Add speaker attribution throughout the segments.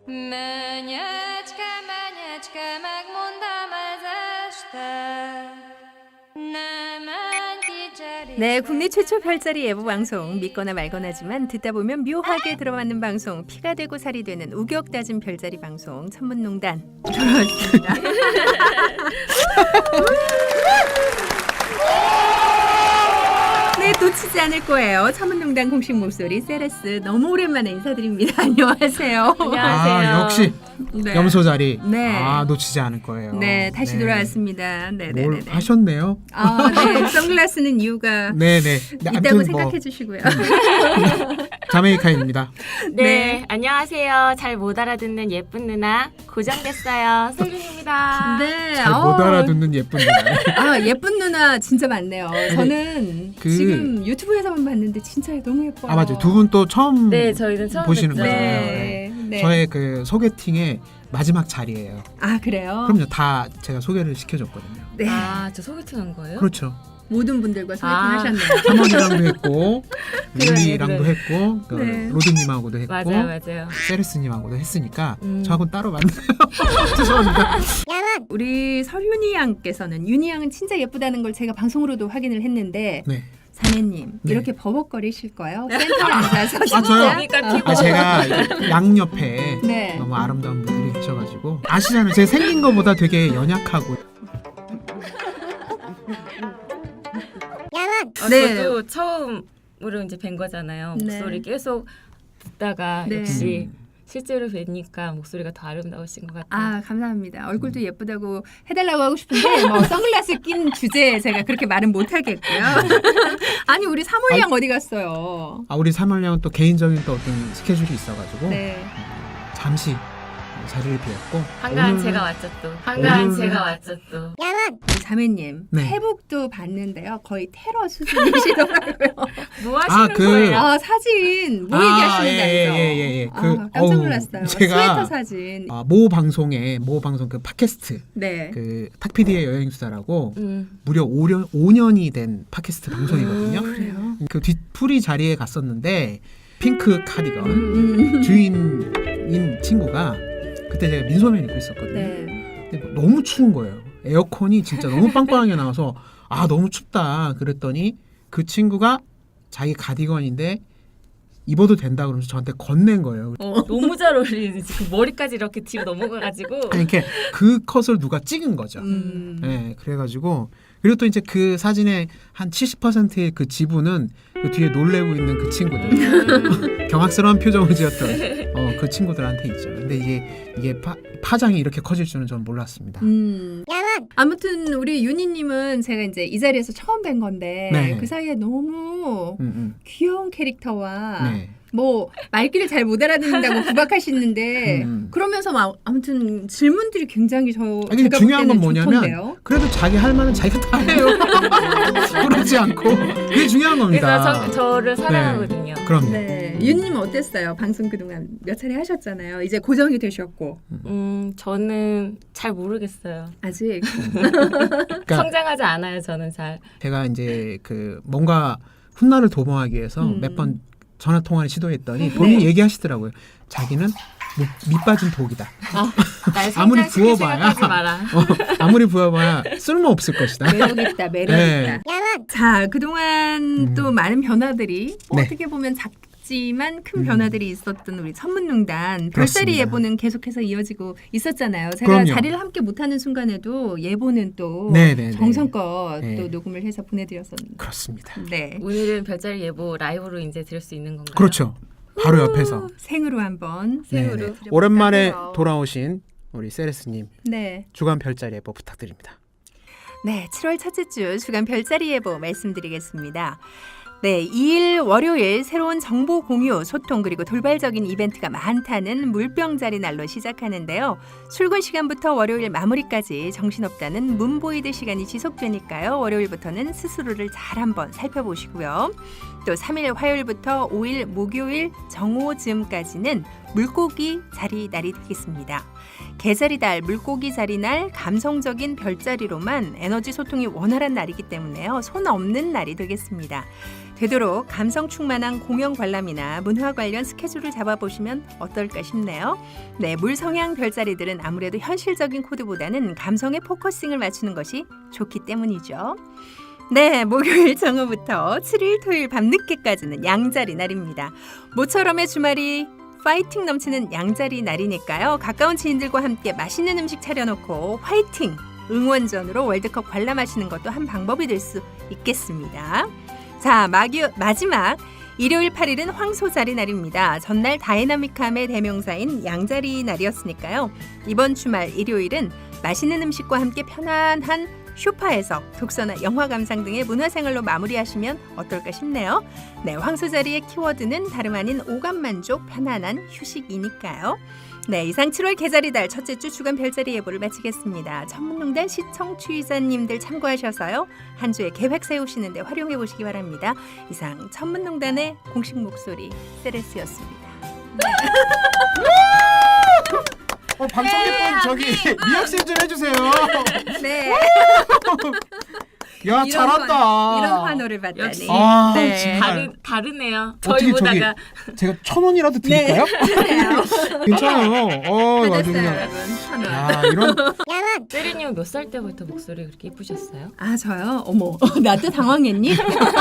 Speaker 1: Menyecske, menyecske, megmondám ez este. Ne menj ki cserébe.
Speaker 2: 네, 국내 최초 별자리 예보 방송 믿거나 말거나지만 듣다 보면 묘하게 들어맞는 방송, 피가 되고 살이 되는 우격다진 별자리 방송 천문농단 돌아왔습니다. 네, 놓치지 않을 거예요. 천문농단 공식 목소리 세레스 너무 오랜만에 인사드립니다. 안녕하세요.
Speaker 3: 아, 역시
Speaker 2: 네.
Speaker 3: 염소 자리.
Speaker 2: 네.
Speaker 3: 아, 놓치지 않을 거예요.
Speaker 2: 네, 다시 돌아왔습니다. 네, 네,
Speaker 3: 뭘
Speaker 2: 네.
Speaker 3: 하셨네요?
Speaker 2: 아, 네. 선글라스는 이유가
Speaker 3: 네네.
Speaker 2: 있다고 생각해 주시고요.
Speaker 3: 자메이카입니다.
Speaker 4: 네,
Speaker 2: 네.
Speaker 4: 안녕하세요. 잘 못 알아듣는 예쁜 누나 고정됐어요. 설윤입니다.
Speaker 2: 네.
Speaker 3: 잘 못 알아듣는 예쁜 누나.
Speaker 2: 아, 예쁜 누나 진짜 많네요. 저는
Speaker 3: 그-
Speaker 2: 지금 유튜브에서만 봤는데 진짜 너무 예뻐요.
Speaker 3: 아, 맞아요. 두 분 또 처음
Speaker 4: 네, 저희는 처음
Speaker 3: 보시는
Speaker 4: 뵙죠.
Speaker 3: 거잖아요.
Speaker 2: 네. 네.
Speaker 3: 저의 그 소개팅의 마지막 자리예요.
Speaker 2: 아, 그래요?
Speaker 3: 그럼요. 다 제가 소개를 시켜줬거든요.
Speaker 2: 네.
Speaker 4: 아, 저 소개팅 한 거예요?
Speaker 3: 그렇죠.
Speaker 2: 모든 분들과 소개팅
Speaker 4: 아.
Speaker 2: 하셨네요.
Speaker 3: 사모님랑도 했고
Speaker 4: 그래,
Speaker 3: 릴리랑도
Speaker 4: 그래.
Speaker 3: 했고 그
Speaker 2: 네.
Speaker 3: 로드님하고도 했고
Speaker 4: 맞아요, 맞아요.
Speaker 3: 세레스님하고도 했으니까
Speaker 4: 음.
Speaker 3: 저하고는 따로 만나요. 죄송합니다.
Speaker 2: 우리 설윤이 양께서는 윤이 양은 진짜 예쁘다는 걸 제가 방송으로도 확인을 했는데
Speaker 3: 네.
Speaker 2: 사내님
Speaker 3: 네.
Speaker 2: 이렇게 버벅거리실 거예요? 센터에 앉아서 진짜?
Speaker 3: 저요?
Speaker 4: 그러니까 피고.
Speaker 3: 아, 제가 양옆에
Speaker 2: 네.
Speaker 3: 너무 아름다운 분들이 계셔가지고 아시잖아요. 제가 생긴 것보다 되게 연약하고
Speaker 2: 네.
Speaker 4: 저도 처음으로 이제 뵌 거잖아요.
Speaker 2: 네.
Speaker 4: 목소리 계속 듣다가
Speaker 2: 네.
Speaker 4: 역시
Speaker 3: 음.
Speaker 4: 실제로 뵈니까 목소리가 더 아름다우신 것 같아요.
Speaker 2: 아, 감사합니다. 얼굴도 예쁘다고 해달라고 하고 싶은데 뭐 선글라스 낀 주제에 제가 그렇게 말은 못하겠고요. 아니, 우리 사몰양 어디 갔어요?
Speaker 3: 아, 우리 사말량은 또 개인적인 또 어떤 스케줄이 있어가지고
Speaker 2: 네.
Speaker 3: 잠시 자리를 비웠고
Speaker 4: 한가한
Speaker 3: 오늘-
Speaker 4: 제가 왔죠 또. 한가한
Speaker 3: 오늘-
Speaker 4: 제가 왔죠 또.
Speaker 2: 우리 자매님
Speaker 3: 네.
Speaker 2: 페북도 봤는데요. 거의 테러 수준이시더라고요.
Speaker 4: 뭐 하시는
Speaker 3: 그-
Speaker 4: 거예요?
Speaker 2: 아, 사진 뭐 얘기하시는지 알죠?
Speaker 3: 예.
Speaker 2: 아, 깜짝 놀랐어요. 스웨터 사진.
Speaker 3: 모 방송 그 팟캐스트
Speaker 2: 네.
Speaker 3: 그 탁피디의 여행수다라고
Speaker 4: 음.
Speaker 3: 무려 5년이 된 팟캐스트 방송이거든요.
Speaker 2: 그래요?
Speaker 3: 그 뒷풀이 자리에 갔었는데 핑크 카디건
Speaker 2: 음.
Speaker 3: 주인인 친구가 그때 제가 민소매 입고 있었거든요.
Speaker 2: 네.
Speaker 3: 근데 뭐 너무 추운 거예요. 에어컨이 진짜 너무 빵빵하게 나와서 아, 너무 춥다 그랬더니 그 친구가 자기 가디건인데 입어도 된다 그러면서 저한테 건넨 거예요.
Speaker 4: 너무 잘 어울리는 지금 머리까지 이렇게 뒤로 넘어가가지고.
Speaker 3: 아니, 이렇게 그 컷을 누가 찍은 거죠. 네, 그래가지고 그리고 또 이제 그 사진의 한 70%의 그 지분은 그 뒤에 놀래고 있는 그 친구들 경악스러운 표정을 지었던 그 친구들한테 있죠. 근데 이게 파장이 이렇게 커질 줄은 저는 몰랐습니다.
Speaker 2: 아무튼 우리 윤희님은 제가 이제 이 자리에서 처음 뵌 건데
Speaker 3: 네.
Speaker 2: 그 사이에 너무
Speaker 3: 음.
Speaker 2: 귀여운 캐릭터와
Speaker 3: 네.
Speaker 2: 뭐 말귀를 잘 못 알아듣는다고 구박하시는데 그러면서 막 아무튼 질문들이 굉장히
Speaker 3: 아니,
Speaker 2: 제가
Speaker 3: 중요한
Speaker 2: 볼
Speaker 3: 건
Speaker 2: 때는
Speaker 3: 뭐냐면
Speaker 2: 좋던데요.
Speaker 3: 그래도 자기 할 말은 자기가 다 해요. 그러지 않고 그게 중요한 겁니다.
Speaker 4: 그래서 저를 사랑하거든요.
Speaker 3: 그럼요.
Speaker 2: 네, 윤님 어땠어요? 방송 그동안 몇 차례 하셨잖아요. 이제 고정이 되셨고
Speaker 4: 저는 잘 모르겠어요.
Speaker 2: 아직
Speaker 3: 그러니까
Speaker 4: 성장하지 않아요. 저는 잘.
Speaker 3: 제가 이제 그 뭔가 훗날을 도모하기 위해서 몇 번 전화 통화를 시도했더니 본인이
Speaker 2: 네.
Speaker 3: 얘기하시더라고요. 자기는 밑 빠진 독이다.
Speaker 4: 날
Speaker 3: 아무리
Speaker 4: 성장시킬
Speaker 3: 부어봐야
Speaker 4: 생각하지 마라.
Speaker 3: 아무리 부어봐야 쓸모 없을 것이다.
Speaker 2: 매력 있다, 매력
Speaker 3: 네.
Speaker 2: 있다. 자, 그동안 또 많은 변화들이
Speaker 3: 네.
Speaker 2: 어떻게 보면 작지만 큰 변화들이 있었던 우리 천문농단 별자리
Speaker 3: 그렇습니다.
Speaker 2: 예보는 계속해서 이어지고 있었잖아요. 제가
Speaker 3: 그럼요.
Speaker 2: 자리를 함께 못하는 순간에도 예보는 또
Speaker 3: 네네네.
Speaker 2: 정성껏
Speaker 3: 네.
Speaker 2: 또 녹음을 해서 보내드렸었는데.
Speaker 3: 그렇습니다.
Speaker 2: 네.
Speaker 4: 오늘은 별자리 예보 라이브로 이제 들을 수 있는 건가요?
Speaker 3: 그렇죠. 바로 옆에서.
Speaker 2: 생으로 한번.
Speaker 4: 생으로.
Speaker 3: 네네.
Speaker 2: 드려볼까요?
Speaker 3: 오랜만에 돌아오신 우리 세레스님
Speaker 2: 네.
Speaker 3: 주간 별자리 예보 부탁드립니다.
Speaker 2: 네, 7월 첫째 주 주간 별자리 예보 말씀드리겠습니다. 네, 2일 월요일 새로운 정보 공유, 소통 그리고 돌발적인 이벤트가 많다는 물병자리 날로 시작하는데요. 출근 시간부터 월요일 마무리까지 정신없다는 문보이드 시간이 지속되니까요. 월요일부터는 스스로를 잘 한번 살펴보시고요. 또 3일 화요일부터 5일 목요일 정오즈음까지는 물고기 자리 날이 되겠습니다. 개자리달, 물고기 자리날, 감성적인 별자리로만 에너지 소통이 원활한 날이기 때문에요. 손 없는 날이 되겠습니다. 되도록 감성 충만한 공연 관람이나 문화 관련 스케줄을 잡아보시면 어떨까 싶네요. 네, 물성향 별자리들은 아무래도 현실적인 코드보다는 감성에 포커싱을 맞추는 것이 좋기 때문이죠. 네, 목요일 정오부터 7일 토요일 밤늦게까지는 양자리 날입니다. 모처럼의 주말이 파이팅 넘치는 양자리 날이니까요. 가까운 지인들과 함께 맛있는 음식 차려놓고 화이팅! 응원전으로 월드컵 관람하시는 것도 한 방법이 될 수 있겠습니다. 자, 마지막 일요일 8일은 황소자리 날입니다. 전날 다이나믹함의 대명사인 양자리 날이었으니까요. 이번 주말 일요일은 맛있는 음식과 함께 편안한 쇼파에서 독서나 영화 감상 등의 문화생활로 마무리하시면 어떨까 싶네요. 네, 황소자리의 키워드는 다름 아닌 오감만족, 편안한 휴식이니까요. 네, 이상 7월 개자리달 첫째 주 주간 별자리 예보를 마치겠습니다. 천문농단 시청 취자님들 참고하셔서요. 한 주에 계획 세우시는데 활용해 보시기 바랍니다. 이상 천문농단의 공식 목소리 세레스였습니다.
Speaker 3: 방청객분 저기 리액션 좀 해주세요.
Speaker 2: 네.
Speaker 3: 야, 잘한다.
Speaker 2: 이런 환호를 받다니.
Speaker 4: 역시.
Speaker 3: 아,
Speaker 2: 네.
Speaker 3: 정말.
Speaker 4: 다르네요.
Speaker 3: 어떻게
Speaker 4: 저희보다가
Speaker 3: 제가 1,000원이라도 드릴까요? 괜찮아요. 아주
Speaker 2: 받았어요,
Speaker 3: 그냥.
Speaker 2: 여러분. 환호.
Speaker 3: 야, 이런
Speaker 4: 세리님은 몇 살 때부터 목소리 그렇게 예쁘셨어요?
Speaker 2: 아, 저요? 어머, 나도 당황했니?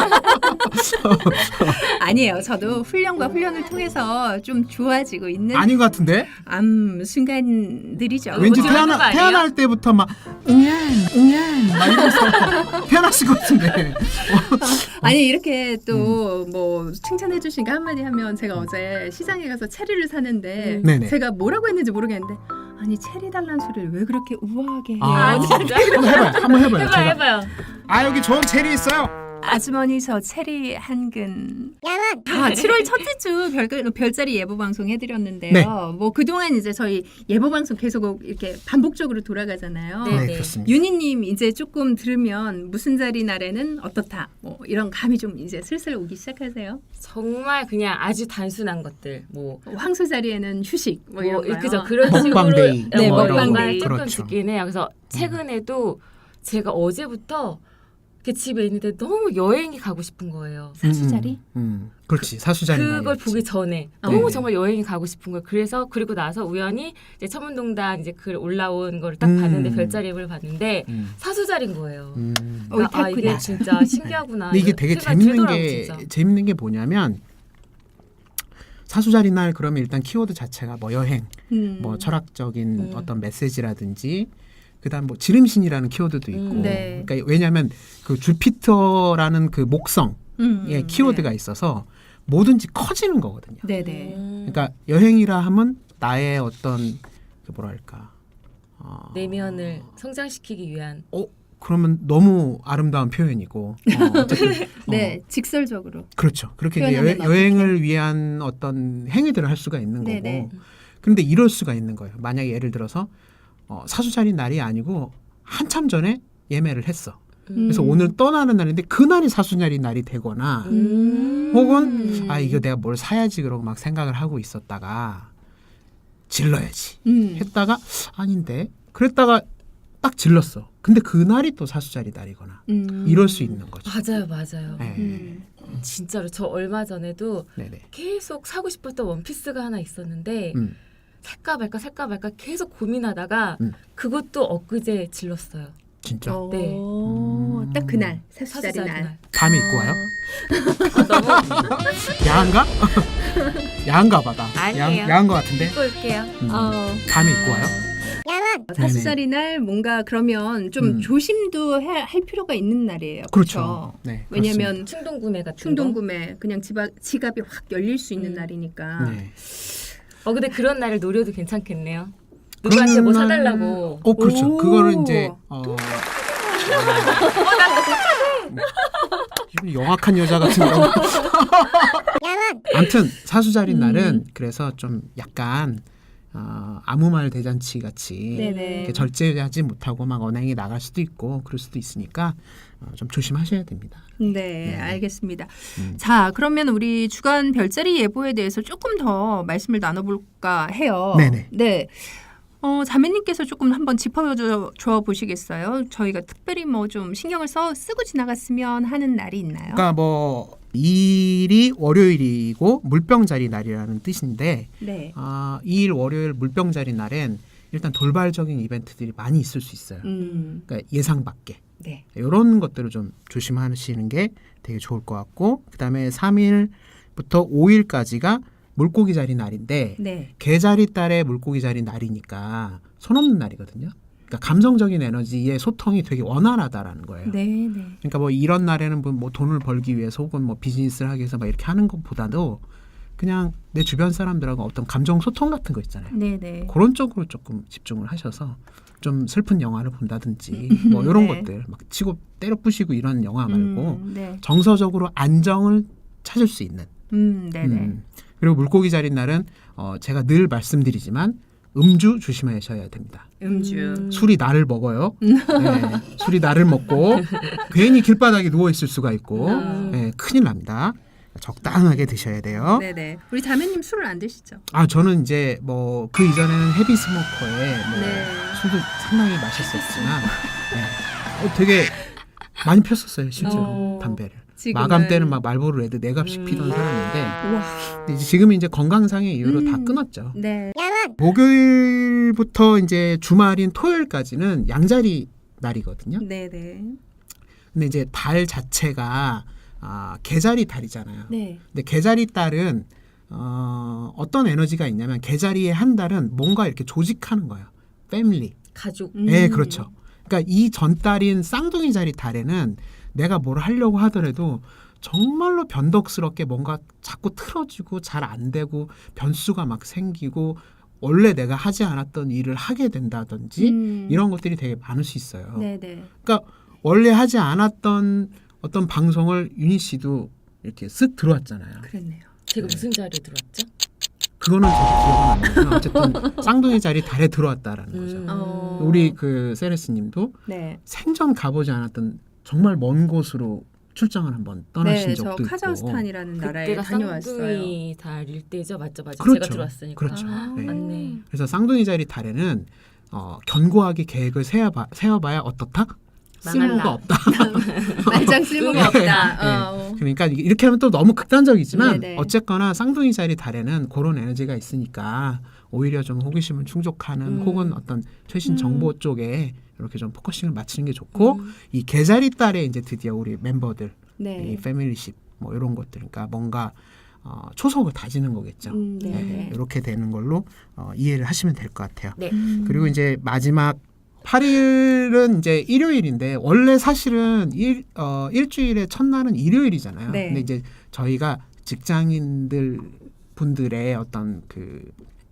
Speaker 2: 아니에요. 저도 훈련과 훈련을 통해서 좀 좋아지고 있는
Speaker 3: 아닌 것 같은데?
Speaker 2: 순간들이죠.
Speaker 3: 왠지
Speaker 4: 어떻게 하는 거 아니에요?
Speaker 3: 태어날 때부터 막 막 이러면서 태어났을 것 같은데.
Speaker 2: 아니 이렇게 또 뭐 칭찬해 주시니까 한마디 하면 제가 어제 시장에 가서 체리를 사는데
Speaker 3: 네네.
Speaker 2: 제가 뭐라고 했는지 모르겠는데 아니 체리 달란 소리를 왜 그렇게 우아하게 해요?
Speaker 3: 아,
Speaker 4: 진짜?
Speaker 3: 한번 해봐요. 제가.
Speaker 4: 해봐요.
Speaker 3: 아, 여기 좋은 체리 있어요.
Speaker 2: 아주머니 저 체리 한 근. 7월 첫째 주 별자리 예보 방송 해드렸는데요.
Speaker 3: 네.
Speaker 2: 뭐 그동안 이제 저희 예보 방송 계속 이렇게 반복적으로 돌아가잖아요.
Speaker 4: 네.
Speaker 3: 네, 그렇습니다.
Speaker 2: 윤희님 이제 조금 들으면 무슨 자리 날에는 어떻다. 뭐 이런 감이 좀 이제 슬슬 오기 시작하세요.
Speaker 4: 정말 그냥 아주 단순한 것들 뭐
Speaker 2: 황소 자리에는 휴식 뭐 이런 거요.
Speaker 4: 그죠 그런
Speaker 3: 먹방
Speaker 4: 식으로
Speaker 3: 데이.
Speaker 2: 네,
Speaker 4: 뭐
Speaker 2: 먹방
Speaker 4: 이런 걸
Speaker 2: 데이.
Speaker 4: 조금
Speaker 3: 그렇죠.
Speaker 4: 듣긴 해요. 그래서 최근에도 제가 어제부터 이렇게 집에 있는데 너무 여행이 가고 싶은 거예요.
Speaker 2: 사수 자리?
Speaker 3: 그렇지. 사수자리.
Speaker 4: 그걸
Speaker 3: 날이었지.
Speaker 4: 보기 전에
Speaker 2: 어.
Speaker 4: 너무
Speaker 3: 네.
Speaker 4: 정말 여행이 가고 싶은 거예요. 그래서 그리고 나서 우연히 이제 천문동단 이제 글 올라온 거를 딱 봤는데 별자리 앱을 봤는데 사수자리인 거예요. 그러니까 아 이게 진짜 신기하구나.
Speaker 3: 근데 이게 되게
Speaker 4: 생각이
Speaker 3: 재밌는
Speaker 4: 들더라고요,
Speaker 3: 게
Speaker 4: 진짜.
Speaker 3: 재밌는 게 뭐냐면 사수자리 날 그러면 일단 키워드 자체가 뭐 여행, 뭐 철학적인 어떤 메시지라든지 그다음 뭐 지름신이라는 키워드도 있고.
Speaker 2: 네.
Speaker 3: 그러니까 왜냐하면 그 주피터라는 그 목성의 키워드가 있어서 뭐든지 커지는 거거든요.
Speaker 2: 네네.
Speaker 3: 그러니까 여행이라 하면 나의 어떤 그 뭐랄까
Speaker 4: 내면을 성장시키기 위한
Speaker 3: 그러면 너무 아름다운 표현이고 어쨌든
Speaker 2: 네, 직설적으로.
Speaker 3: 그렇죠. 그렇게 이제
Speaker 2: 표현하면
Speaker 3: 여행을 위한 어떤 행위들을 할 수가 있는 거고.
Speaker 2: 네네.
Speaker 3: 그런데 이럴 수가 있는 거예요. 만약에 예를 들어서 사수자리 날이 아니고 한참 전에 예매를 했어. 그래서 오늘 떠나는 날인데 그날이 사수자리 날이 되거나 혹은 이거 내가 뭘 사야지 그러고 막 생각을 하고 있었다가 질러야지 했다가 아닌데 그랬다가 딱 질렀어. 근데 그날이 또 사수자리 날이거나 이럴 수 있는 거죠.
Speaker 4: 맞아요.
Speaker 3: 네.
Speaker 4: 진짜로 저 얼마 전에도
Speaker 3: 네네.
Speaker 4: 계속 사고 싶었던 원피스가 하나 있었는데 살까 말까 계속 고민하다가 그것도 엊그제 질렀어요.
Speaker 3: 진짜
Speaker 4: 네.
Speaker 2: 딱 그날 사수자리
Speaker 4: 사수자리
Speaker 2: 날.
Speaker 4: 날.
Speaker 3: 밤에 입고 와요?
Speaker 4: 너무
Speaker 3: 야한가? 야한가 봐다.
Speaker 4: 아니에요.
Speaker 3: 야한 거 같은데.
Speaker 4: 입고 올게요.
Speaker 3: 밤에 입고 와요?
Speaker 2: 사수자리 날 뭔가 그러면 좀 조심도 할 필요가 있는 날이에요.
Speaker 3: 그렇죠. 네.
Speaker 2: 왜냐하면
Speaker 4: 충동 구매 같은
Speaker 2: 충동
Speaker 4: 거.
Speaker 2: 구매 그냥 지갑이 확 열릴 수 있는 날이니까.
Speaker 3: 네.
Speaker 4: 근데 그런 날을 노려도 괜찮겠네요. 누구한테 뭐 사달라고.
Speaker 3: 그렇죠.
Speaker 2: 오.
Speaker 3: 그거는 이제 기분이 영악한 여자 같은 거. 아무튼 사수자리 날은 그래서 좀 약간 아무 말 대잔치 같이
Speaker 2: 네네.
Speaker 3: 이렇게 절제하지 못하고 막 언행이 나갈 수도 있고 그럴 수도 있으니까 좀 조심하셔야 됩니다.
Speaker 2: 네, 알겠습니다. 자, 그러면 우리 주간 별자리 예보에 대해서 조금 더 말씀을 나눠볼까 해요.
Speaker 3: 네네.
Speaker 2: 네. 자매님께서 조금 한번 짚어줘 보시겠어요? 저희가 특별히 뭐 좀 신경을 쓰고 지나갔으면 하는 날이 있나요?
Speaker 3: 그러니까 뭐 2일이 월요일이고 물병자리 날이라는 뜻인데
Speaker 2: 네.
Speaker 3: 2일 월요일 물병자리 날엔 일단 돌발적인 이벤트들이 많이 있을 수 있어요. 그러니까 예상 밖에.
Speaker 2: 네.
Speaker 3: 이런 것들을 좀 조심하시는 게 되게 좋을 것 같고 그다음에 3일부터 5일까지가 물고기 자리 날인데
Speaker 2: 네.
Speaker 3: 개자리 딸의 물고기 자리 날이니까 손 없는 날이거든요. 그러니까 감성적인 에너지의 소통이 되게 원활하다라는 거예요.
Speaker 2: 네, 네.
Speaker 3: 그러니까 뭐 이런 날에는 뭐 돈을 벌기 위해서 혹은 뭐 비즈니스를 하기 위해서 막 이렇게 하는 것보다도 그냥 내 주변 사람들하고 어떤 감정 소통 같은 거 있잖아요.
Speaker 2: 네, 네.
Speaker 3: 그런 쪽으로 조금 집중을 하셔서 좀 슬픈 영화를 본다든지 뭐 이런
Speaker 2: 네.
Speaker 3: 것들 막 치고 때려 부시고 이런 영화 말고
Speaker 2: 네.
Speaker 3: 정서적으로 안정을 찾을 수 있는.
Speaker 2: 네, 네.
Speaker 3: 그리고 물고기 자리 날은 제가 늘 말씀드리지만 음주 조심하셔야 됩니다.
Speaker 2: 음주.
Speaker 3: 술이 나를 먹어요. 네, 술이 나를 먹고 괜히 길바닥에 누워 있을 수가 있고 네, 큰일 납니다. 적당하게 드셔야 돼요.
Speaker 2: 네, 네. 우리 자매님 술을 안 드시죠?
Speaker 3: 저는 이제 뭐 그 이전에는 헤비 스모커에 뭐
Speaker 2: 네.
Speaker 3: 술도 상당히 마셨었지만 네, 되게 많이 폈었어요 실제로 담배를.
Speaker 2: 지금은-
Speaker 3: 마감 때는 막 말보로 레드 4갑씩 피던 사람인데
Speaker 2: 우와.
Speaker 3: 근데 이제 지금은 이제 건강상의 이유로 다 끊었죠.
Speaker 2: 네.
Speaker 3: 목요일부터 이제 주말인 토요일까지는 양자리 날이거든요.
Speaker 2: 네, 네.
Speaker 3: 근데 이제 달 자체가 개자리 달이잖아요.
Speaker 2: 네.
Speaker 3: 근데 개자리 달은 어떤 에너지가 있냐면 개자리의 한 달은 뭔가 이렇게 조직하는 거예요. 패밀리.
Speaker 4: 가족.
Speaker 3: 네, 그렇죠. 그러니까 이 전달인 쌍둥이 자리 달에는 내가 뭘 하려고 하더라도 정말로 변덕스럽게 뭔가 자꾸 틀어지고 잘 안 되고 변수가 막 생기고 원래 내가 하지 않았던 일을 하게 된다든지 이런 것들이 되게 많을 수 있어요.
Speaker 2: 네, 네.
Speaker 3: 그러니까 원래 하지 않았던 어떤 방송을 윤희 씨도 이렇게 쓱 들어왔잖아요.
Speaker 2: 그랬네요.
Speaker 4: 제가 무슨 자리에 들어왔죠?
Speaker 3: 그거는 저도 기억은 안 나요. 어쨌든 쌍둥이 자리 달에 들어왔다라는 거죠. 우리 그 세레스님도
Speaker 2: 네.
Speaker 3: 생전 가보지 않았던 정말 먼 곳으로 출장을 한번 떠나신
Speaker 2: 네, 저
Speaker 3: 적도 있고.
Speaker 2: 카자흐스탄이라는 나라에
Speaker 4: 그때가
Speaker 2: 다녀왔어요.
Speaker 4: 쌍둥이 달일 때죠, 맞죠?
Speaker 3: 그렇죠.
Speaker 4: 제가 들어왔으니까.
Speaker 3: 그렇죠. 네.
Speaker 4: 맞네.
Speaker 3: 그래서 쌍둥이 자리 달에는 견고하게 계획을 세워봐야 어떻다? 쓸모가
Speaker 4: 망할라.
Speaker 3: 없다.
Speaker 2: 말장 쓸모가 없다.
Speaker 3: 네. 그러니까 이렇게 하면 또 너무 극단적이지만
Speaker 2: 네네.
Speaker 3: 어쨌거나 쌍둥이 자리 달에는 그런 에너지가 있으니까 오히려 좀 호기심을 충족하는 혹은 어떤 최신 정보 쪽에 이렇게 좀 포커싱을 맞추는 게 좋고 이 개자리 달에 이제 드디어 우리 멤버들
Speaker 2: 네.
Speaker 3: 이 패밀리십 뭐 이런 것들 그러니까 뭔가 초석을 다지는 거겠죠.
Speaker 2: 네, 네.
Speaker 3: 이렇게 되는 걸로 이해를 하시면 될 것 같아요.
Speaker 4: 네.
Speaker 3: 그리고 이제 마지막 8일은 이제 일요일인데 원래 사실은 일주일의 첫날은 일요일이잖아요.
Speaker 2: 네.
Speaker 3: 근데 이제 저희가 직장인들 분들의 어떤 그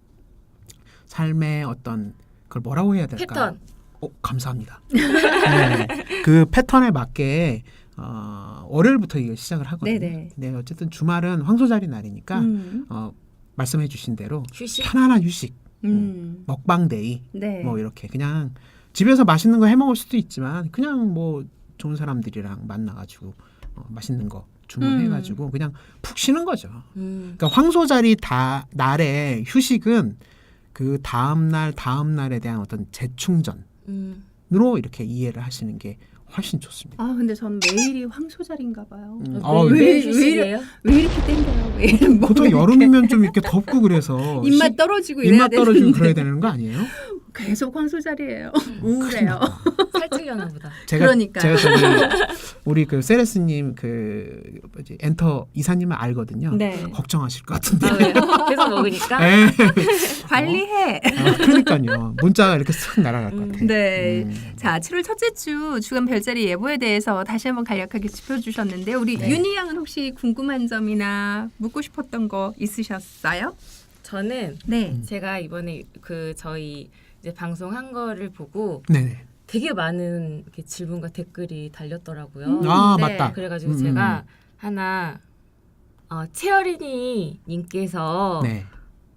Speaker 3: 삶의 어떤 그걸 뭐라고 해야 될까?
Speaker 4: 패턴.
Speaker 3: 감사합니다. 네, 그 패턴에 맞게 월요일부터 이거 시작을 하거든요.
Speaker 2: 네네.
Speaker 3: 근데 어쨌든 주말은 황소자리 날이니까 말씀해주신 대로
Speaker 4: 휴식.
Speaker 3: 편안한 휴식, 먹방데이,
Speaker 2: 네.
Speaker 3: 뭐 이렇게 그냥 집에서 맛있는 거 해 먹을 수도 있지만 그냥 뭐 좋은 사람들이랑 만나가지고 맛있는 거 주문해가지고 그냥 푹 쉬는 거죠. 그러니까 황소자리 날의 휴식은 그 다음 날에 대한 어떤 재충전으로 이렇게 이해를 하시는 게 훨씬 좋습니다.
Speaker 2: 근데 전 매일이 황소자리인가 봐요.
Speaker 4: 매일 휴식이에요?
Speaker 2: 왜 이렇게 땡겨요? 왜 이런
Speaker 3: 보통 여름이면 좀 이렇게 덥고 그래서
Speaker 2: 입맛 떨어지고 이래야
Speaker 3: 입맛 떨어지고
Speaker 2: 되는데
Speaker 3: 그래야 되는 거 아니에요?
Speaker 2: 계속 황소자리예요. 우울해요.
Speaker 4: 살찌려나 보다.
Speaker 2: 그러니까요.
Speaker 3: 제가 우리 그 세레스님 그 엔터 이사님을 알거든요.
Speaker 2: 네.
Speaker 3: 걱정하실 것 같은데.
Speaker 4: 왜요? 계속 먹으니까.
Speaker 3: 네.
Speaker 2: 관리해.
Speaker 3: 그러니까요. 문자가 이렇게 쓱 날아갈 것 같아요.
Speaker 2: 네. 자, 7월 첫째 주 주간 별자리 예보에 대해서 다시 한번 간략하게 짚어주셨는데 우리
Speaker 3: 네.
Speaker 2: 윤희 양은 혹시 궁금한 점이나 묻고 싶었던 거 있으셨어요?
Speaker 4: 저는
Speaker 2: 네.
Speaker 4: 제가 이번에 그 저희 이제 방송한 거를 보고
Speaker 3: 네네.
Speaker 4: 되게 많은 이렇게 질문과 댓글이 달렸더라고요.
Speaker 2: 네.
Speaker 3: 맞다.
Speaker 4: 그래가지고 제가 하나 채어린이 님께서
Speaker 3: 네.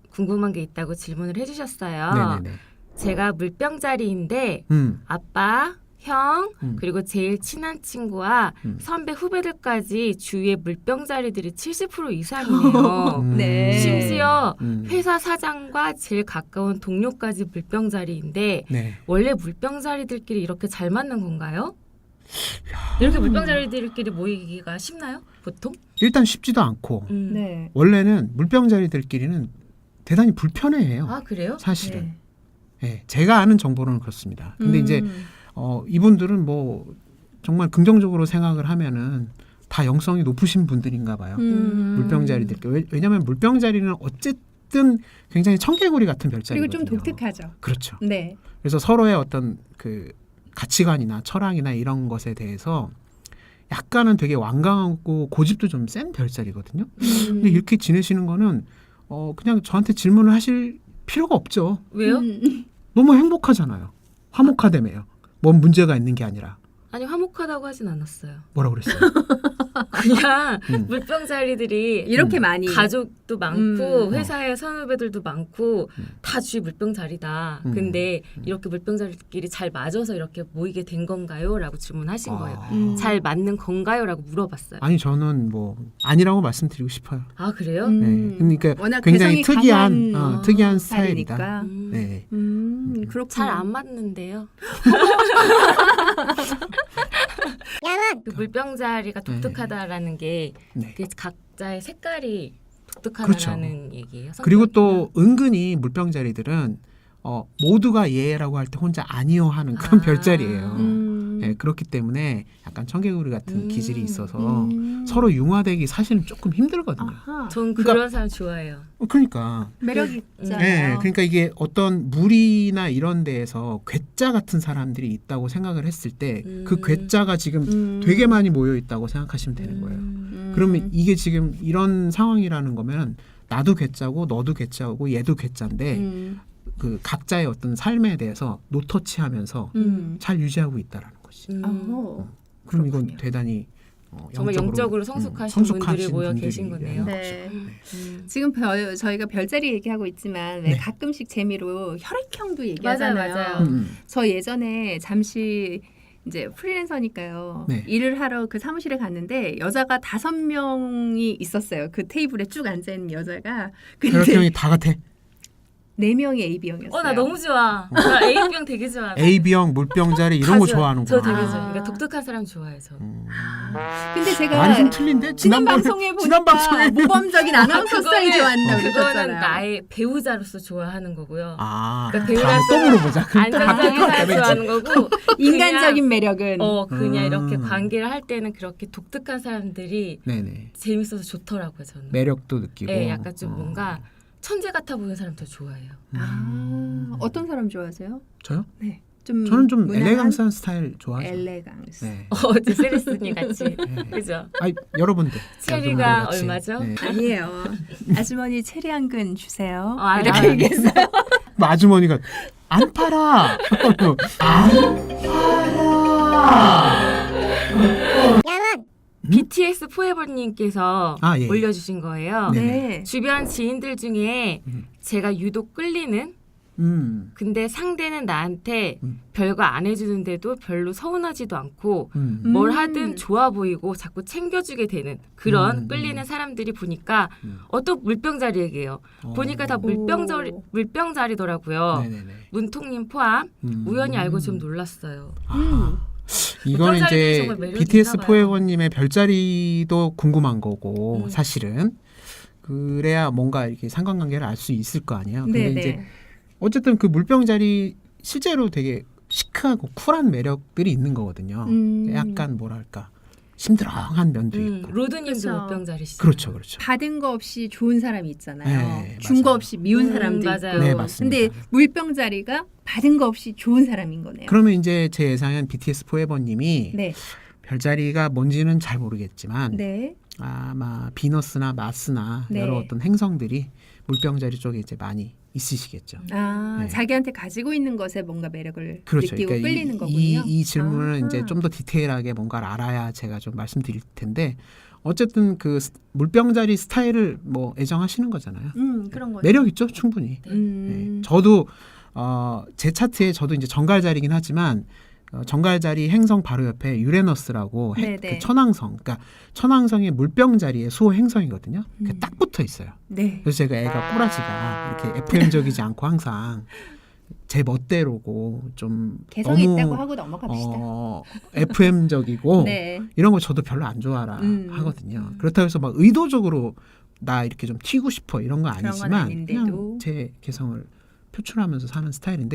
Speaker 4: 궁금한 게 있다고 질문을 해주셨어요.
Speaker 3: 네네네.
Speaker 4: 제가 물병자리인데 아빠, 형, 그리고 제일 친한 친구와 선배 후배들까지 주위에 물병자리들이 70% 이상이네요.
Speaker 2: 네.
Speaker 4: 심지어 회사 사장과 제일 가까운 동료까지 물병자리인데
Speaker 3: 네.
Speaker 4: 원래 물병자리들끼리 이렇게 잘 맞는 건가요? 이렇게 물병자리들끼리 모이기가 쉽나요? 보통?
Speaker 3: 일단 쉽지도 않고
Speaker 2: 네.
Speaker 3: 원래는 물병자리들끼리는 대단히 불편해해요.
Speaker 4: 아 그래요?
Speaker 3: 사실은. 네. 제가 아는 정보로는 그렇습니다. 근데 이제 이분들은 뭐 정말 긍정적으로 생각을 하면은 다 영성이 높으신 분들인가 봐요. 물병자리들. 왜냐하면 물병자리는 어쨌든 굉장히 청개구리 같은 별자리거든요.
Speaker 2: 그리고 좀 독특하죠.
Speaker 3: 그렇죠.
Speaker 2: 네.
Speaker 3: 그래서 서로의 어떤 그 가치관이나 철학이나 이런 것에 대해서 약간은 되게 완강하고 고집도 좀 센 별자리거든요. 근데 이렇게 지내시는 거는 그냥 저한테 질문을 하실 필요가 없죠.
Speaker 4: 왜요?
Speaker 3: 너무 행복하잖아요. 화목하다며요. 뭔 문제가 있는 게 아니라.
Speaker 4: 아니 화목하다고 하진 않았어요.
Speaker 3: 뭐라고 그랬어요?
Speaker 4: 그냥 물병자리들이
Speaker 2: 이렇게 많이
Speaker 4: 가족도 많고 회사에 선후배들도 많고 다 주위 물병자리다. 근데 이렇게 물병자리끼리 잘 맞아서 이렇게 모이게 된 건가요? 라고 질문하신 거예요. 잘 맞는 건가요? 라고 물어봤어요.
Speaker 3: 아니 저는 뭐 아니라고 말씀드리고 싶어요.
Speaker 4: 아 그래요?
Speaker 3: 네. 그러니까
Speaker 2: 워낙
Speaker 3: 굉장히
Speaker 2: 개성이
Speaker 3: 특이한
Speaker 2: 강한
Speaker 3: 특이한
Speaker 2: 스타일이니까.
Speaker 3: 스타일이다. 네.
Speaker 2: 그렇군요.
Speaker 4: 잘 안 맞는데요. 그 물병자리가 독특하다라는 게
Speaker 3: 네.
Speaker 4: 그 각자의 색깔이 독특하다는 얘기예요.
Speaker 3: 그리고
Speaker 4: 성격이나.
Speaker 3: 또 은근히 물병자리들은 모두가 예라고 할 때 혼자 아니요 하는 그런 별자리예요. 네, 그렇기 때문에 약간 청개구리 같은 기질이 있어서 서로 융화되기 사실은 조금 힘들거든요.
Speaker 2: 아하.
Speaker 4: 전
Speaker 3: 그러니까-
Speaker 4: 그런 사람 좋아해요.
Speaker 3: 그러니까
Speaker 2: 매력이
Speaker 3: 네,
Speaker 2: 있잖아요.
Speaker 3: 그러니까 이게 어떤 물이나 이런 데에서 괴짜 같은 사람들이 있다고 생각을 했을 때 그 괴짜가 지금 되게 많이 모여 있다고 생각하시면 되는 거예요. 그러면 이게 지금 이런 상황이라는 거면 나도 괴짜고 너도 괴짜고 얘도 괴짜인데 그 각자의 어떤 삶에 대해서 노터치하면서 잘 유지하고 있다라는 거지. 그럼 이건
Speaker 2: 그렇군요.
Speaker 3: 대단히
Speaker 4: 정말 영적으로 성숙하신 분들이 모여 계신 거네요.
Speaker 2: 네. 지금 저희가 별자리 얘기하고 있지만 왜 가끔씩 재미로 혈액형도 얘기하잖아요.
Speaker 4: 맞아요.
Speaker 2: 저 예전에 잠시 이제 프리랜서니까요.
Speaker 3: 네.
Speaker 2: 일을 하러 그 사무실에 갔는데 여자가 5명이 있었어요. 그 테이블에 쭉 앉아 있는 여자가. 근데
Speaker 3: 혈액형이 다 같아.
Speaker 2: 4명이 AB형이었어요.
Speaker 4: 나 너무 좋아. 나 A병 되게 좋아.
Speaker 3: AB형, 물병자리 이런 거 좋아하는구나.
Speaker 4: 저 되게
Speaker 2: 아.
Speaker 4: 좋아요. 그러니까 독특한 사람 좋아해요. 저.
Speaker 2: 근데 제가
Speaker 3: 많이 좀 틀린데?
Speaker 2: 지난 방송에 보니까 모범적인 아나운서 스타일 좋아한다고
Speaker 4: 그거는
Speaker 2: 그러셨잖아요.
Speaker 4: 나의 배우자로서 좋아하는 거고요.
Speaker 3: 그러니까
Speaker 4: 그러니까
Speaker 3: 다음에 또 물어보자. 그럼 또 바뀔
Speaker 4: 안정적인
Speaker 3: 것 같아,
Speaker 4: 사람
Speaker 3: 왠지.
Speaker 4: 좋아하는 거고
Speaker 2: 인간적인 매력은
Speaker 4: 그냥 이렇게 관계를 할 때는 그렇게 독특한 사람들이
Speaker 3: 네네.
Speaker 4: 재밌어서 좋더라고요. 저는.
Speaker 3: 매력도 느끼고.
Speaker 4: 네, 약간 좀 뭔가 천재 같아 보이는 사람 더 좋아해요.
Speaker 2: 어떤 사람 좋아하세요?
Speaker 3: 저요?
Speaker 2: 네. 좀
Speaker 3: 저는 좀
Speaker 2: 무난한
Speaker 3: 엘레강스한 스타일 좋아하죠.
Speaker 2: 엘레강스.
Speaker 3: 네.
Speaker 4: 제 세리스님 같이. 그죠?
Speaker 3: 아니, 여러분들.
Speaker 4: 체리가
Speaker 3: 여러분들 같이.
Speaker 4: 얼마죠?
Speaker 3: 네.
Speaker 2: 아니에요. 아주머니 체리 한 근 주세요.
Speaker 4: 알아요.
Speaker 2: 이렇게 얘기했어요.
Speaker 3: 뭐 아주머니가 안 팔아. 안 팔아.
Speaker 4: BTS 포에버님께서
Speaker 3: 예.
Speaker 4: 올려주신 거예요.
Speaker 2: 네.
Speaker 4: 주변 지인들 중에 제가 유독 끌리는 근데 상대는 나한테 별거 안 해주는데도 별로 서운하지도 않고 뭘 하든 좋아 보이고 자꾸 챙겨주게 되는 그런 끌리는 사람들이 보니까 어떤 물병자리에게요. 보니까 다 물병자리더라고요.
Speaker 3: 네네네.
Speaker 4: 문통님 포함 우연히 알고 좀 놀랐어요.
Speaker 3: 이건
Speaker 4: 별자리들이
Speaker 3: 이제
Speaker 4: 정말 매력이
Speaker 3: BTS
Speaker 4: 있나 봐요.
Speaker 3: 포에버님의 별자리도 궁금한 거고 사실은 그래야 뭔가 이렇게 상관관계를 알 수 있을 거 아니에요. 근데
Speaker 2: 네네.
Speaker 3: 이제 어쨌든 그 물병자리 실제로 되게 시크하고 쿨한 매력들이 있는 거거든요. 약간 뭐랄까 심드렁한 면도 있고.
Speaker 4: 로드님도
Speaker 2: 그렇죠.
Speaker 4: 물병자리시죠.
Speaker 3: 그렇죠, 그렇죠.
Speaker 2: 받은 거 없이 좋은 사람이 있잖아요.
Speaker 3: 네,
Speaker 2: 준 거
Speaker 3: 맞아요.
Speaker 2: 없이 미운 사람도
Speaker 4: 맞아요.
Speaker 2: 있고.
Speaker 3: 네, 맞습니다.
Speaker 2: 근데 물병자리가 받은 거 없이 좋은 사람인 거네요.
Speaker 3: 그러면 이제 제 예상엔 BTS 포에버님이
Speaker 2: 네.
Speaker 3: 별자리가 뭔지는 잘 모르겠지만
Speaker 2: 네.
Speaker 3: 아마 비너스나 마스나
Speaker 2: 네.
Speaker 3: 여러 어떤 행성들이 물병자리 쪽에 이제 많이 있으시겠죠.
Speaker 2: 아,
Speaker 3: 네.
Speaker 2: 자기한테 가지고 있는 것에 뭔가 매력을
Speaker 3: 그렇죠.
Speaker 2: 느끼고
Speaker 3: 그러니까
Speaker 2: 끌리는 거군요.
Speaker 3: 이 질문은
Speaker 2: 아하.
Speaker 3: 이제 좀 더 디테일하게 뭔가를 알아야 제가 좀 말씀드릴 텐데 어쨌든 그 물병자리 스타일을 뭐 애정하시는 거잖아요.
Speaker 2: 그런 거죠.
Speaker 3: 매력 있죠, 충분히. 네. 저도 제 차트에 저도 이제 정갈자리긴 하지만 정갈자리 행성 바로 옆에 유레너스라고 그 천왕성, 그러니까 천왕성의 물병자리의 수호 행성이거든요. 그게 딱 붙어 있어요.
Speaker 2: 네.
Speaker 3: 그래서 제가 애가 꼬라지가 이렇게 FM적이지 않고 항상 제 멋대로고 좀
Speaker 2: 개성이
Speaker 3: 너무
Speaker 2: 있다고 하고 넘어갑시다.
Speaker 3: FM적이고
Speaker 2: 네.
Speaker 3: 이런 거 저도 별로 안 좋아라 하거든요. 그렇다고 해서 막 의도적으로 나 이렇게 좀 튀고 싶어 이런 건
Speaker 2: 그런 건
Speaker 3: 아니지만
Speaker 2: 아닌데도.
Speaker 3: 그냥 제 개성을 표출하면서 사는 스타일인데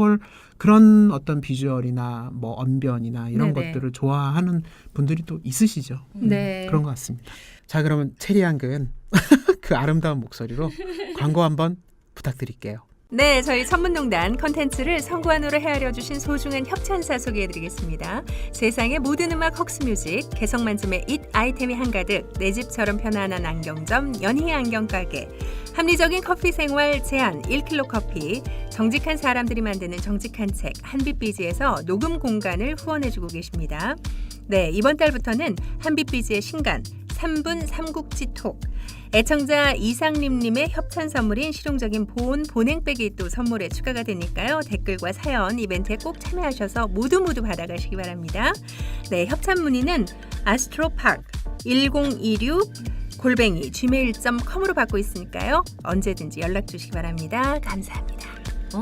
Speaker 3: 그런 어떤 비주얼이나 뭐 언변이나 이런
Speaker 2: 네네.
Speaker 3: 것들을 좋아하는 분들이 또 있으시죠.
Speaker 2: 네.
Speaker 3: 그런 것 같습니다. 자, 그러면 체리양근 그 아름다운 목소리로 광고 한번 부탁드릴게요.
Speaker 2: 네, 저희 천문농단 컨텐츠를 성관으로 헤아려 주신 소중한 협찬사 소개해드리겠습니다. 세상의 모든 음악 헉스뮤직, 개성 만점의 잇 아이템이 한가득, 내 집처럼 편안한 안경점 연희 안경가게, 합리적인 커피 생활 제한 1kg 커피, 정직한 사람들이 만드는 정직한 책 한빛비지에서 녹음 공간을 후원해주고 계십니다. 네, 이번 달부터는 한빛비지의 신간 3분 삼국지 톡, 애청자 이상림님의 협찬 선물인 실용적인 보온 보냉백이 또 선물에 추가가 되니까요. 댓글과 사연 이벤트에 꼭 참여하셔서 모두 받아가시기 바랍니다. 네, 협찬 문의는 astropark 1026 @gmail.com으로 받고 있으니까요. 언제든지 연락 주시기 바랍니다. 감사합니다.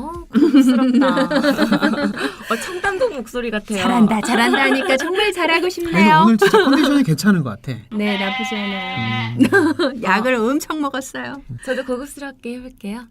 Speaker 4: 고급스럽다. 청담동 목소리 같아요.
Speaker 2: 잘한다 하니까 정말 잘하고
Speaker 3: 아니,
Speaker 2: 싶네요.
Speaker 3: 오늘 진짜 컨디션이 괜찮은 것 같아.
Speaker 2: 네, 나쁘지 않아요. 약을 엄청 먹었어요.
Speaker 4: 저도 고급스럽게 해볼게요.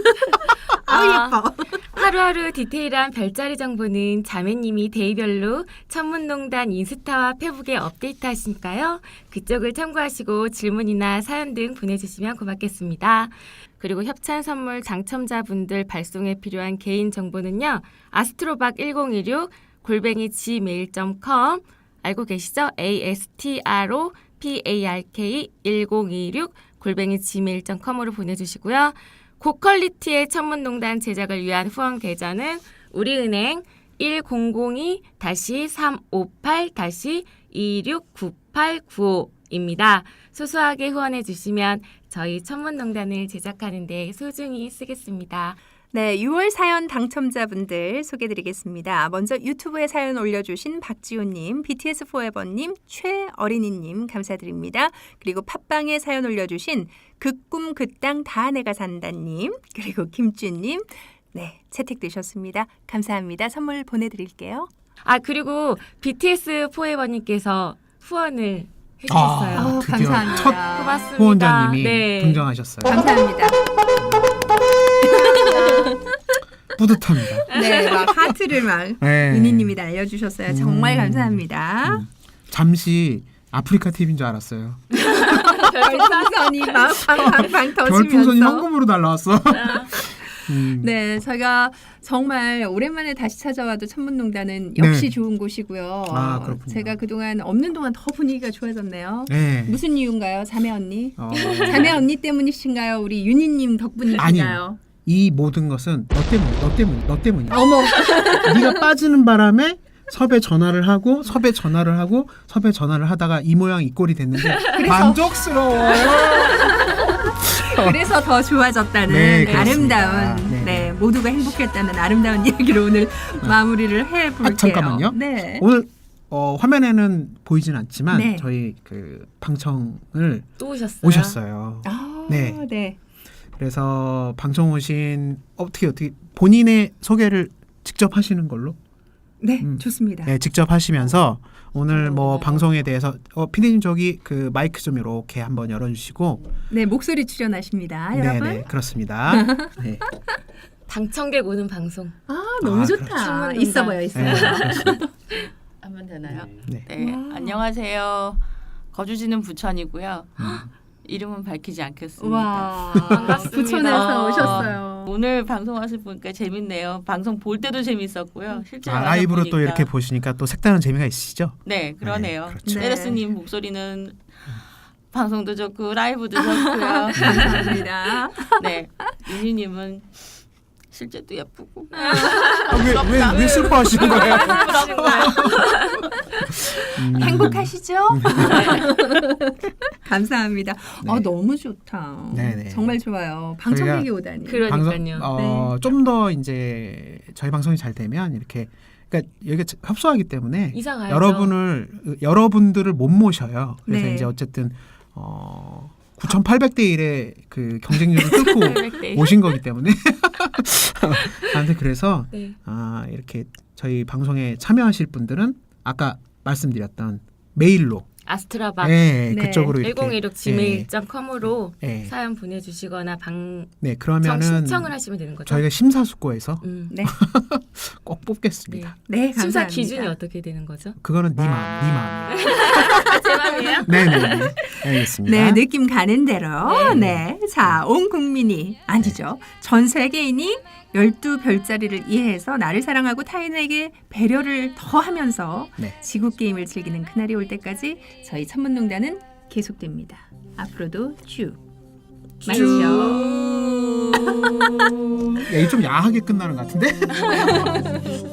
Speaker 2: 예뻐.
Speaker 4: 하루하루 디테일한 별자리 정보는 자매님이 데이별로 천문농단 인스타와 페북에 업데이트하시니까요. 그쪽을 참고하시고 질문이나 사연 등 보내주시면 고맙겠습니다. 그리고 협찬 선물 당첨자분들 발송에 필요한 개인 정보는요. 아스트로박 1016 @gmail.com 알고 계시죠? astropark 1026 @gmail.com으로 보내주시고요. 고퀄리티의 천문농단 제작을 위한 후원 계좌는 우리은행 1002-358-269895입니다. 소소하게 후원해 주시면 저희 천문농단을 제작하는 데 소중히 쓰겠습니다.
Speaker 2: 네, 6월 사연 당첨자분들 소개드리겠습니다. 먼저 유튜브에 사연 올려주신 박지호님, BTS 포에버님, 최어린이님 감사드립니다. 그리고 팟빵에 사연 올려주신 그꿈 그 땅 다 내가 산다님, 그리고 김준님, 네, 채택되셨습니다. 감사합니다. 선물 보내드릴게요.
Speaker 4: 그리고 BTS 포에버님께서 후원을 해주셨어요.
Speaker 3: 드디어
Speaker 2: 감사합니다.
Speaker 3: 첫
Speaker 4: 고맙습니다.
Speaker 3: 후원자님이
Speaker 4: 네.
Speaker 3: 등장하셨어요.
Speaker 2: 감사합니다.
Speaker 3: 뿌듯합니다.
Speaker 2: 네, 막 하트를 막
Speaker 3: 네.
Speaker 2: 윤희님이 날려주셨어요. 정말 감사합니다.
Speaker 3: 잠시 아프리카 TV인 줄 알았어요.
Speaker 2: 별풍선이 막 팡팡팡 터지면서.
Speaker 3: 별풍선이 현금으로 날라왔어.
Speaker 2: 네, 저희가 정말 오랜만에 다시 찾아와도 천문농단은 역시
Speaker 3: 네.
Speaker 2: 좋은 곳이고요.
Speaker 3: 그렇군요.
Speaker 2: 제가 그동안 없는 동안 더 분위기가 좋아졌네요.
Speaker 3: 네.
Speaker 2: 무슨 이유인가요, 자매 언니? 자매 언니 때문이신가요? 우리 윤희님 덕분이신가요?
Speaker 3: 아니요. 이 모든 것은 너 때문이야.
Speaker 2: 어머,
Speaker 3: 네가 빠지는 바람에 섭외 전화를 하고 섭외 전화를 하다가 이 모양 이 꼴이 됐는데 만족스러워요.
Speaker 2: 그래서 더 좋아졌다는
Speaker 3: 네, 그렇습니다.
Speaker 2: 아름다운,
Speaker 3: 네.
Speaker 2: 네, 모두가 행복했다는 아름다운 이야기로 오늘 마무리를 해볼게요.
Speaker 3: 잠깐만요.
Speaker 2: 네.
Speaker 3: 오늘 화면에는 보이진 않지만
Speaker 2: 네.
Speaker 3: 저희 그 방청을
Speaker 4: 또
Speaker 3: 오셨어요.
Speaker 2: 네.
Speaker 3: 네.
Speaker 2: 네.
Speaker 3: 그래서 방청 오신 어떻게 본인의 소개를 직접 하시는 걸로?
Speaker 2: 네, 좋습니다.
Speaker 3: 네, 직접 하시면서 오늘 뭐 방송에 대해서 PD님 저기 그 마이크 좀 이렇게 한번 열어주시고.
Speaker 2: 네, 목소리 출연하십니다, 여러분.
Speaker 3: 네, 그렇습니다. 네.
Speaker 4: 당청객 오는 방송.
Speaker 2: 너무
Speaker 3: 그렇죠.
Speaker 2: 좋다. 있어 보여.
Speaker 3: 네, 그렇습니다.
Speaker 5: 하면 되나요?
Speaker 3: 네.
Speaker 5: 네, 안녕하세요. 거주지는 부천이고요. 이름은 밝히지 않겠습니다.
Speaker 2: 와,
Speaker 4: 반갑습니다.
Speaker 2: 부천에서 오셨어요.
Speaker 5: 오늘 방송하실 보니까 재밌네요. 방송 볼 때도 재밌었고요. 실제
Speaker 3: 라이브로 또 이렇게 보시니까 또 색다른 재미가 있으시죠?
Speaker 5: 네, 그러네요.
Speaker 3: 네, 그렇죠.
Speaker 5: 테레스님 목소리는 방송도 좋고 라이브도 좋고요.
Speaker 2: 감사합니다.
Speaker 5: 네, 윤희님은 실제도 예쁘고.
Speaker 3: 왜 슬퍼하시는 거예요?
Speaker 2: 행복하시죠? 감사합니다.
Speaker 3: 네.
Speaker 2: 너무 좋다.
Speaker 3: 네네.
Speaker 2: 정말 좋아요. 방청객이 오다니.
Speaker 4: 그러니까요.
Speaker 3: 좀 더 이제 저희 방송이 잘 되면 이렇게 그러니까 여기가 협소하기 때문에
Speaker 4: 이사 가야죠.
Speaker 3: 여러분들을 못 모셔요. 그래서
Speaker 2: 네.
Speaker 3: 이제 어쨌든 9,800대 1의 그 경쟁률을 뚫고
Speaker 4: 800대.
Speaker 3: 오신 거기 때문에 아무튼 그래서
Speaker 4: 네.
Speaker 3: 이렇게 저희 방송에 참여하실 분들은 아까 말씀드렸던 메일로
Speaker 4: 아스트라박
Speaker 3: 네,
Speaker 2: 네.
Speaker 3: 그쪽으로 이렇게
Speaker 4: 1016gmail.com으로
Speaker 3: 네.
Speaker 4: 사연 보내주시거나
Speaker 3: 네, 그러면은
Speaker 4: 신청을 하시면 되는 거죠.
Speaker 3: 저희가 심사숙고해서
Speaker 2: 네.
Speaker 3: 꼭 뽑겠습니다.
Speaker 2: 네,
Speaker 4: 심사
Speaker 2: 감사합니다.
Speaker 4: 기준이 어떻게 되는 거죠?
Speaker 3: 그거는 네 마음이에요.
Speaker 4: 제 마음이에요?
Speaker 3: 네네. 알겠습니다.
Speaker 2: 네, 느낌 가는 대로. 네. 자, 온 국민이 아니죠. 전 세계인이 12별자리를 이해해서 나를 사랑하고 타인에게 배려를 더하면서
Speaker 3: 네.
Speaker 2: 지구 게임을 즐기는 그날이 올 때까지 저희 천문농단은 계속됩니다. 앞으로도 쭉. 맞죠?
Speaker 3: 야, 이게 좀 야하게 끝나는 것 같은데?